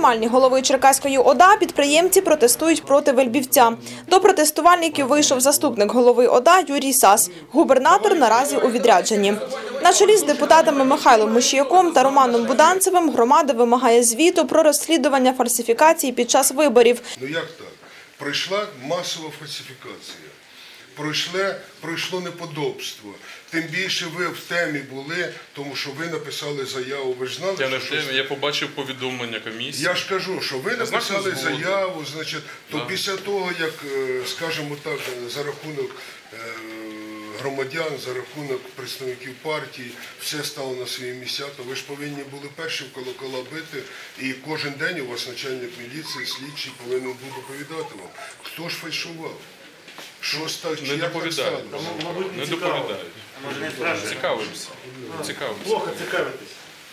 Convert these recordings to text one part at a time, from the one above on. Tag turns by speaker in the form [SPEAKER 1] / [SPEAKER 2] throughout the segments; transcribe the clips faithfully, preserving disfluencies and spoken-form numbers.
[SPEAKER 1] приймальні голови Черкаської ОДА підприємці протестують проти Вельбівця. До протестувальників вийшов заступник голови ОДА Юрій Сас. Губернатор наразі у відрядженні. На чолі з депутатами Михайлом Мушіяком та Романом Буданцевим громада вимагає звіту про розслідування фальсифікацій під час виборів.
[SPEAKER 2] Ну як так? Пройшла масова фальсифікація. Пройшло, пройшло неподобство. Тим більше ви в темі були, тому що ви написали заяву. Ви ж знали,
[SPEAKER 3] я не в
[SPEAKER 2] що
[SPEAKER 3] темі,
[SPEAKER 2] щось...
[SPEAKER 3] я побачив повідомлення комісії.
[SPEAKER 2] Я ж кажу, що ви написали заяву, значить, то да. Після того, як, скажімо так, за рахунок громадян, за рахунок представників партії, все стало на свої місця, то ви ж повинні були перші в колокола бити, і кожен день у вас начальник міліції, слідчий повинен був доповідати вам, хто ж фальшував. Що стало?
[SPEAKER 3] Не доповідають. Не доповідають. Цікавимося. Цікавимося.
[SPEAKER 4] Плохо цікавитесь.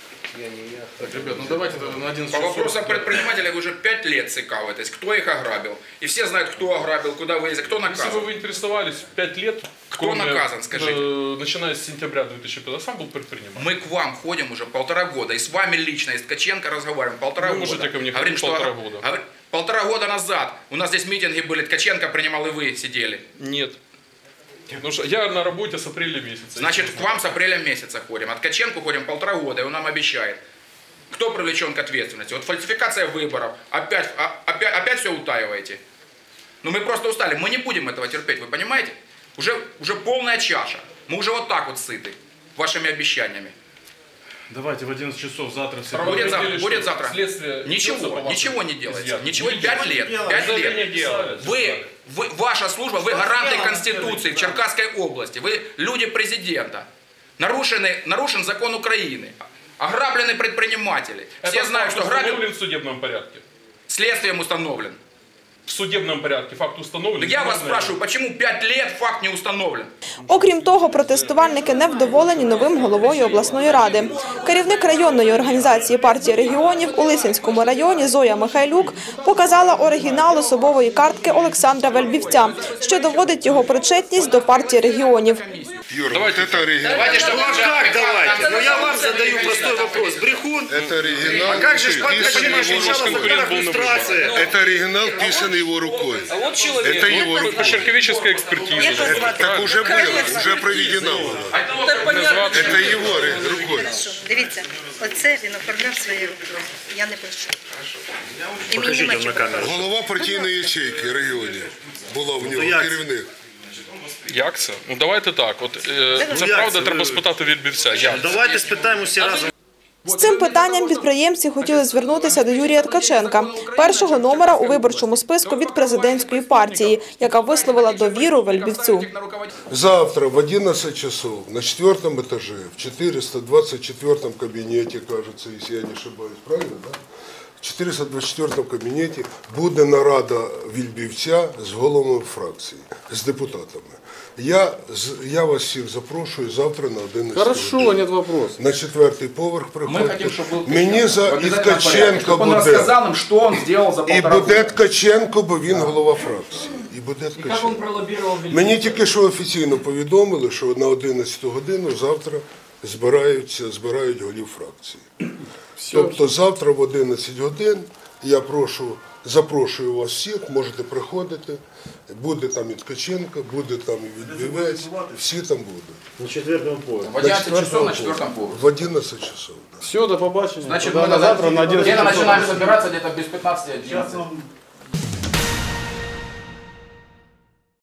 [SPEAKER 3] Ребят, ну давайте на один
[SPEAKER 5] По вопросам предпринимателей вы уже пять лет цикавитесь, кто их ограбил. И все знают, кто ограбил, куда вылез, кто наказан.
[SPEAKER 3] Если бы вы интересовались пять лет,
[SPEAKER 5] кто кроме, наказан, скажите?
[SPEAKER 3] Э, начиная с сентября две тысячи пятого, сам был предприниматель.
[SPEAKER 5] Мы к вам ходим уже полтора года, и с вами лично, и с Ткаченко разговариваем полтора
[SPEAKER 3] вы
[SPEAKER 5] года.
[SPEAKER 3] Вы можете ко мне
[SPEAKER 5] говорим,
[SPEAKER 3] ходить
[SPEAKER 5] что,
[SPEAKER 3] полтора года.
[SPEAKER 5] Говорим, полтора года назад у нас здесь митинги были, Ткаченко принимал, и вы сидели.
[SPEAKER 3] Нет. Потому что я на работе с апреля месяца.
[SPEAKER 5] Значит, к вам с апреля месяца ходим. От Ткаченко ходим полтора года, и он нам обещает. Кто привлечен к ответственности? Вот фальсификация выборов. Опять, опять, опять все утаиваете. Ну мы просто устали. Мы не будем этого терпеть, вы понимаете? Уже, уже полная чаша. Мы уже вот так вот сыты вашими обещаниями.
[SPEAKER 4] Давайте в одиннадцать часов завтра все.
[SPEAKER 5] Будет завтра. Будет завтра. Ничего, ничего не делается. Ничего, пять лет. Пять лет. Вы, вы, ваша служба, вы гаранты Конституции в Черкасской области. Вы люди президента. Нарушены, нарушен закон Украины. Ограблены предприниматели. Все
[SPEAKER 3] Это
[SPEAKER 5] знают, что
[SPEAKER 3] установлен
[SPEAKER 5] грабят.
[SPEAKER 3] в судебном порядке.
[SPEAKER 5] Следствием установлен.
[SPEAKER 3] В судебном порядке факт установлен.
[SPEAKER 5] Я вас спрашиваю, почему пять лет факт не установлен?
[SPEAKER 1] Окрім того, протестувальники не вдоволені новим головою обласної ради. Керівник районної організації партії регіонів у Лисинському районі Зоя Михайлюк показала оригінал особової картки Олександра Вельбівця, що доводить його причетність до партії регіонів.
[SPEAKER 2] Юра, давайте это оригинал.
[SPEAKER 5] Давайте, что
[SPEAKER 4] ну а как давайте? Ну я вам задаю простой вопрос. Брехун?
[SPEAKER 2] Это оригинал.
[SPEAKER 4] А как же
[SPEAKER 2] писанный
[SPEAKER 4] его иллюстрация?
[SPEAKER 2] Это оригинал, писанный его рукой.
[SPEAKER 3] А вот человек.
[SPEAKER 2] Это его
[SPEAKER 3] вот,
[SPEAKER 2] рукой.
[SPEAKER 3] Черковическая экспертиза.
[SPEAKER 2] Это, так уже было, уже проведена была. Это его рукой.
[SPEAKER 6] Дивіться, оце він оформляв своєю рукою. Я не пишу. І мені
[SPEAKER 4] Покажіть
[SPEAKER 6] нема
[SPEAKER 4] вам на
[SPEAKER 6] чого.
[SPEAKER 4] камеру.
[SPEAKER 2] Голова партійної ячейки регіонів була в нього,
[SPEAKER 4] як це?
[SPEAKER 2] керівник.
[SPEAKER 3] Як це? Ну давайте так. От, е, це
[SPEAKER 4] як
[SPEAKER 3] правда,
[SPEAKER 4] це?
[SPEAKER 3] треба спитати Вельбівця. Як?
[SPEAKER 4] Давайте спитаємо всі разом.
[SPEAKER 1] З цим питанням підприємці хотіли звернутися до Юрія Ткаченка, першого номера у виборчому списку від президентської партії, яка висловила довіру Вельбівцю.
[SPEAKER 2] Завтра в одиннадцать часов на четвертом этаже, в четыреста двадцать четвёртом кабинете, кажется, если я не ошибаюсь, правильно, да? В четыреста двадцать четвёртом кабінеті буде нарада Вельбівця з головами фракції, з депутатами. Я, я вас всіх запрошую завтра на одинадцять.
[SPEAKER 7] Хорошо,
[SPEAKER 2] годин.
[SPEAKER 7] нет вопросов.
[SPEAKER 2] На четвертий поверх приходьте.
[SPEAKER 5] хотим, чтобы был
[SPEAKER 2] Мені за і Ткаченко
[SPEAKER 5] он
[SPEAKER 2] буде.
[SPEAKER 5] рассказал им, что он сделал за
[SPEAKER 2] І
[SPEAKER 5] полтора
[SPEAKER 2] буде
[SPEAKER 5] года.
[SPEAKER 2] Ткаченко, бо він голова фракції. І буде Ткаченко. Мені тільки що офіційно повідомили, що на одинадцяту годину завтра збираються, збирають голів фракції. Тобто завтра в одинадцять годин я прошу, запрошую вас всіх, можете приходити, буде там і Ткаченко, буде там і Вельбівець, всі там будуть.
[SPEAKER 4] На четвертому поверсі.
[SPEAKER 5] В одиннадцать часов на четвертом поверхе.
[SPEAKER 2] В одиннадцять часов. Да.
[SPEAKER 7] Все, до побачення.
[SPEAKER 5] Значит,
[SPEAKER 7] Тогда
[SPEAKER 5] мы
[SPEAKER 7] на завтра на одиннадцать
[SPEAKER 5] где-то
[SPEAKER 7] часов.
[SPEAKER 5] начинаем собираться где-то без пятнадцати одиннадцати.